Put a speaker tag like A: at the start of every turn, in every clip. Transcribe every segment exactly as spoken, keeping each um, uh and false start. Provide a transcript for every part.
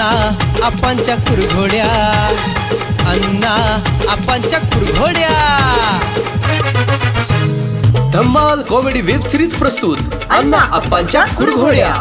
A: अण्णा आपांच्या कुरघोड्या, अण्णा आपांच्या कुरघोड्या. धम्माल कॉमेडी वेब सिरीज प्रस्तुत अण्णा आपांच्या कुरघोड्या.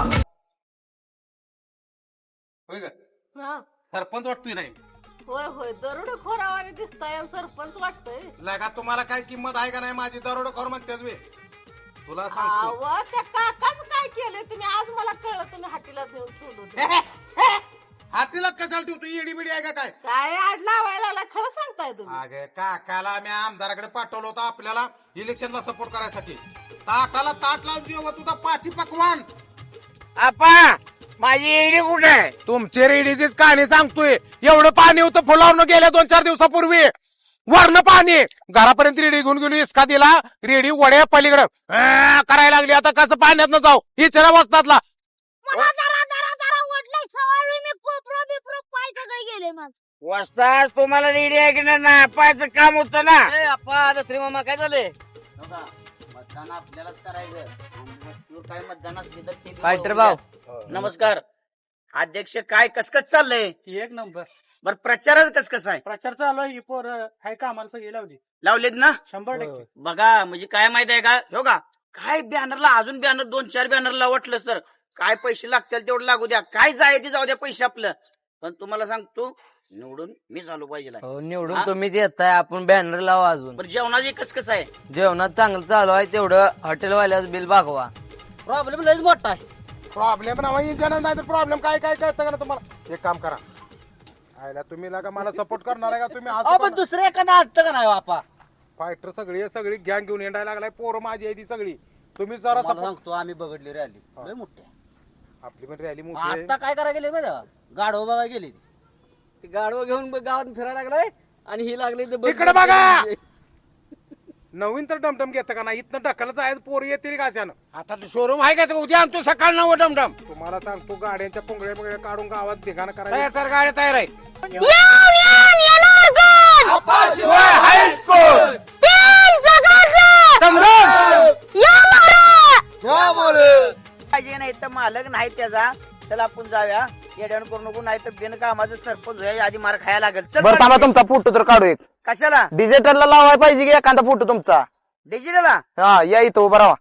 B: सरपंच वाटतोय नाही?
C: होय होय दरोडे खोरावाने दिसताय सरपंच वाटतंय.
B: लगा तुम्हाला काय किंमत आहे का नाही माझी? दरोडेखोर म्हणतेस वे तुला सांगतो.
C: अहो त्या काकाच काय केलंय तुम्ही? आज मला कळलं तुम्ही हाटीला नेऊन ठेवलं.
B: हातीला कशाला ठेवतो? येडी बिडी आहे का काय?
C: काय आड लावायला लागला खरं सांगताय तुम्ही?
B: अगे काकाला मी आमदाराकडे पाठवलं होतं आपल्याला इलेक्शनला सपोर्ट करायसाठी. ताटाला ताट लावून देऊ तुझा पाची पकवान.
D: आपा माझी रेडी कुठे आहे?
B: तुमची रेडीचीच कहाणी सांगतोय. एवढं पाणी होतं फुलावून गेल्या दोन चार दिवसापूर्वी. वरण पाणी घरापर्यंत रेडी घेऊन गेलो. इसका दिला रेडी वड्या पलीकडे करायला लागली. आता कसं पाण्यात न जाऊ इचरा बसतातला.
D: वस्ताद तुम्हाला रेडी आहे की नाही? पायचं काम होतं ना.
E: मामा काय झालंय? मतदान आपल्यालाच करायचं. काय मतदान असले तर ते
D: फायटर भाऊ
E: नमस्कार अध्यक्ष. काय कसकस चाललंय?
F: एक नंबर
E: बर प्रचाराच कसकस आहे?
F: प्रचार चालू आहे. पोर हाय का आम्हाला सगळी लावली
E: लावलेत ना?
F: शंभर टक्के.
E: बघा म्हणजे काय माहित आहे का? हो का काय बॅनरला अजून बॅनर दोन चार बॅनरला वाटलं तर काय पैसे लागतील तेवढं लागू द्या. काय जाय ते जाऊ द्या पैसे आपलं. पण तुम्हाला सांगतो निवडून मी झालो पाहिजे.
G: निवडून तुम्हीच येताय. आपण बॅनर लावा. अजून
E: बरं जेवणाची कसकस आहे?
G: जेवणात चांगलं चालू आहे. तेवढं हॉटेलवाल्याचं बिल भागवा.
E: प्रॉब्लेम लयच मोठा आहे.
B: प्रॉब्लेम नाही तर प्रॉब्लेम काय काय कळतं का ना तुम्हाला? एक काम करा आयला तुम्ही लागा मला सपोर्ट करणार आहे का तुम्ही?
E: पण दुसरं एखादा असतं का नाही बापा?
B: फायटर सगळी सगळी गँग घेऊन येणायला लागलाय. पोरं माझी आहे ती सगळी. तुम्ही जरा support-
E: सांगतो आम्ही बघडली रॅली लय मोठी.
B: आपली पण रॅली मोठी आहे.
E: आता काय करायला गेले माहिती गाडो बघा गेली
G: ती गाडवं घेऊन गावात फिरायला लागलाय आणि ही लागली
B: इकडे बघा. नवीन तर डमडम घेतं का नाही? इथनं ढकलत आहे पोर येतील का अशानं?
D: आता शोरूम आहे का? उद्या आणतो सकाळ नऊ डमडम.
B: तुम्हाला सांगतो गाड्यांच्या पुंगड्या पुंगड्या काढून गावात ठिकाणं
D: तयार
B: करायचं.
D: तर गाडी तयार आहे.
E: पाहिजे नाही तर मालक नाही त्याचा. चला आपण जाऊया. येड्यान करू नको नाही तर बिन कामाचं सरपंच व्हायच्या आधी मार खायला लागेल. चल
D: बरं थांबा तुमचा फोटो तर काढू एक.
E: कशाला?
D: डिजिटलला लावायला पाहिजे की एखादा फोटो तुमचा.
E: डिजिटलला
D: हा या इथं उभा राहा.